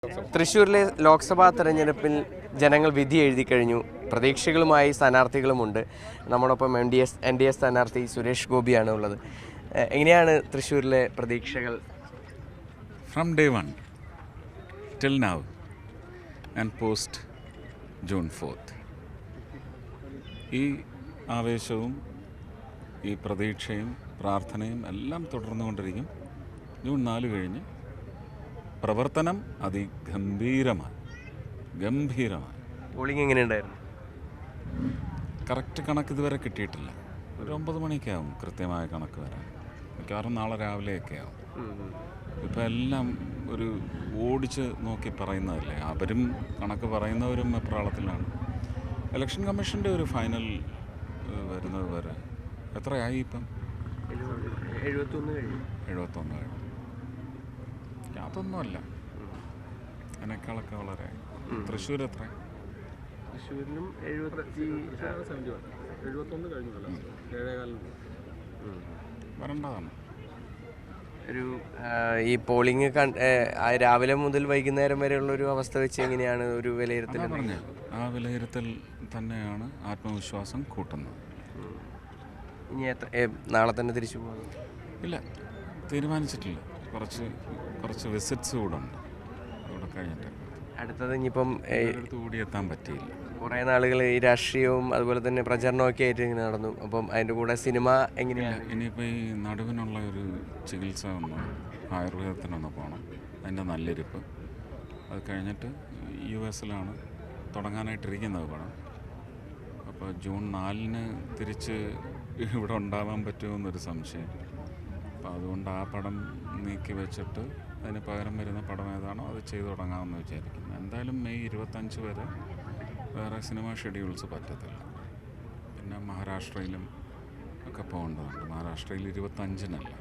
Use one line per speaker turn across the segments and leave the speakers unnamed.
തൃശ്ശൂരിലെ ലോക്സഭാ തെരഞ്ഞെടുപ്പിൽ ജനങ്ങൾ വിധി എഴുതി കഴിഞ്ഞു. പ്രതീക്ഷകളുമായി സ്ഥാനാർത്ഥികളുമുണ്ട്. നമ്മോടൊപ്പം എൻ ഡി എ സ്ഥാനാർത്ഥി സുരേഷ് ഗോപിയാണ് ഉള്ളത്. എങ്ങനെയാണ് തൃശ്ശൂരിലെ പ്രതീക്ഷകൾ?
From day one till now and post June 4th, ഈ ആവേശവും ഈ പ്രതീക്ഷയും പ്രാർത്ഥനയും എല്ലാം തുടർന്നുകൊണ്ടിരിക്കും. ജൂൺ 4 കഴിഞ്ഞ് പ്രവർത്തനം അതിഗംഭീരമായി.
പോളിംഗ് എങ്ങനെയുണ്ടായിരുന്നു?
കറക്റ്റ് കണക്ക് ഇതുവരെ കിട്ടിയിട്ടില്ല. ഒരു 9 മണിയൊക്കെ ആവും കൃത്യമായ കണക്ക് വരാൻ. മിക്കവാറും നാളെ രാവിലെയൊക്കെ ആവും. ഇപ്പം എല്ലാം ഒരു ഓടിച്ച് നോക്കി പറയുന്നതല്ലേ. അവരും കണക്ക് പറയുന്നവരും എപ്രാളത്തിലാണ്. ഇലക്ഷൻ കമ്മീഷൻ്റെ ഒരു ഫൈനൽ വരുന്നത് വരെ എത്രയായി ഇപ്പം? 71 കഴിഞ്ഞു. അതൊന്നുമല്ല, അതിനേക്കാളൊക്കെ വളരെ. തൃശ്ശൂർ എത്ര?
തൃശ്ശൂരിലും
71 കഴിഞ്ഞു.
വരേണ്ടതാണ്.
ഒരു ഈ പോളിംഗ് രാവിലെ മുതൽ വൈകുന്നേരം വരെയുള്ളൊരു അവസ്ഥ വെച്ച് എങ്ങനെയാണ് ഒരു വിലയിരുത്തൽ?
ആ വിലയിരുത്തൽ തന്നെയാണ് ആത്മവിശ്വാസം കൂട്ടുന്നത്.
ഇനി നാളെ തന്നെ തിരിച്ചു പോകുന്നു?
ഇല്ല, തീരുമാനിച്ചിട്ടില്ല. കുറച്ച് വിസിറ്റ്സ് കൂടെ ഉണ്ട്. അവിടെ കഴിഞ്ഞിട്ട്
അടുത്തത് ഇനിയിപ്പം
കൂടി എത്താൻ പറ്റിയില്ല.
കുറേ നാളുകൾ ഈ രാഷ്ട്രീയവും അതുപോലെ തന്നെ പ്രചരണമൊക്കെ ആയിട്ട് ഇങ്ങനെ നടന്നു. അപ്പം അതിൻ്റെ കൂടെ സിനിമ എങ്ങനെയാണ്?
ഇനിയിപ്പോൾ ഈ നടുവിനുള്ള ഒരു ചികിത്സ ആയുർവേദത്തിനൊന്ന് പോകണം. അതിൻ്റെ നല്ലിരിപ്പ് അത് കഴിഞ്ഞിട്ട് US തുടങ്ങാനായിട്ടിരിക്കുന്നത് പടം. അപ്പോൾ ജൂൺ 4 തിരിച്ച് ഇവിടെ ഉണ്ടാവാൻ പറ്റുമെന്നൊരു സംശയം. അപ്പോൾ അതുകൊണ്ട് ആ പടം നീക്കി വെച്ചിട്ട് അതിന് പകരം വരുന്ന പടം ഏതാണോ അത് ചെയ്തു തുടങ്ങാമെന്ന് വിചാരിക്കുന്നു. എന്തായാലും മെയ് 25 വരെ വേറെ സിനിമ ഷെഡ്യൂൾസ് പറ്റത്തില്ല. പിന്നെ മഹാരാഷ്ട്രയിലും ഒക്കെ പോകേണ്ടതുണ്ട്. മഹാരാഷ്ട്രയിൽ 25-നല്ല,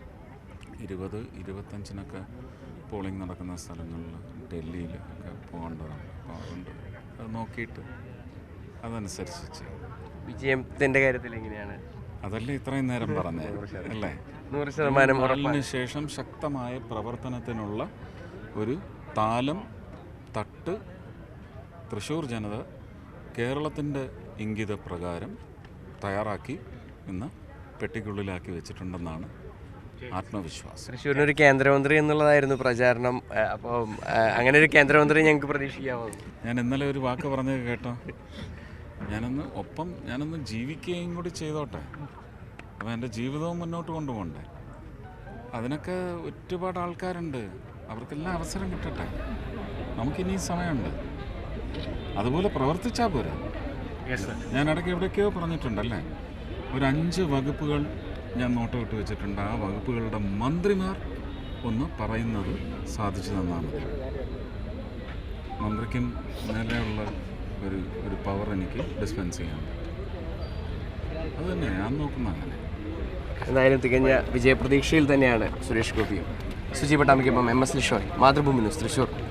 20-25 പോളിംഗ് നടക്കുന്ന സ്ഥലങ്ങളിൽ, ഡൽഹിയിൽ ഒക്കെ പോകേണ്ടതാണ്. അപ്പോൾ അതുകൊണ്ട് അത് നോക്കിയിട്ട് അതനുസരിച്ച് ചെയ്യും.
വിജയത്തിൻ്റെ കാര്യത്തിൽ എങ്ങനെയാണ്?
അതല്ലേ ഇത്രയും നേരം പറഞ്ഞത് അല്ലേ?
100%
അതിനുശേഷം ശക്തമായ പ്രവർത്തനത്തിനുള്ള ഒരു താലം തട്ട് തൃശ്ശൂർ ജനത കേരളത്തിൻ്റെ ഇംഗിതപ്രകാരം തയ്യാറാക്കി ഇന്ന് പെട്ടിക്കുള്ളിലാക്കി വെച്ചിട്ടുണ്ടെന്നാണ് ആത്മവിശ്വാസം.
തൃശ്ശൂരിനൊരു കേന്ദ്രമന്ത്രി എന്നുള്ളതായിരുന്നു പ്രചാരണം. അപ്പോൾ അങ്ങനെ ഒരു കേന്ദ്രമന്ത്രി ഞങ്ങൾക്ക് പ്രതീക്ഷിക്കാമോ?
ഞാൻ ഇന്നലെ ഒരു വാക്ക് പറഞ്ഞത് കേട്ടോ. ഞാനൊന്ന് ജീവിക്കുകയും കൂടി ചെയ്തോട്ടെ. അപ്പോൾ എൻ്റെ ജീവിതവും മുന്നോട്ട് കൊണ്ടുപോകണ്ടേ. അതിനൊക്കെ ഒരുപാട് ആൾക്കാരുണ്ട്. അവർക്കെല്ലാം അവസരം കിട്ടട്ടെ. നമുക്കിനി സമയമുണ്ട്. അതുപോലെ പ്രവർത്തിച്ചാൽ പോരാ. ഞാൻ ഇടയ്ക്ക് എവിടേക്കോ പറഞ്ഞിട്ടുണ്ടല്ലേ, ഒരു 5 വകുപ്പുകൾ ഞാൻ നോട്ട് വിട്ട് വെച്ചിട്ടുണ്ട്. ആ വകുപ്പുകളുടെ മന്ത്രിമാർ ഒന്ന് പറയുന്നത് സാധിച്ചു തന്നാൽ മതി. മന്ത്രിക്കും നിലയുള്ള ഒരു പവർ എനിക്ക് ഡിസ്പെൻസ് ചെയ്യാൻ പറ്റും. അത് തന്നെ ഞാൻ നോക്കുന്ന. അങ്ങനെ
എന്തായാലും തികഞ്ഞ വിജയപ്രതീക്ഷയിൽ തന്നെയാണ് സുരേഷ് ഗോപിയും. സുജി പട്ടാമിക്കൊപ്പം MS ലിഷോയ്, മാതൃഭൂമി ന്യൂസ്, തൃശ്ശൂർ.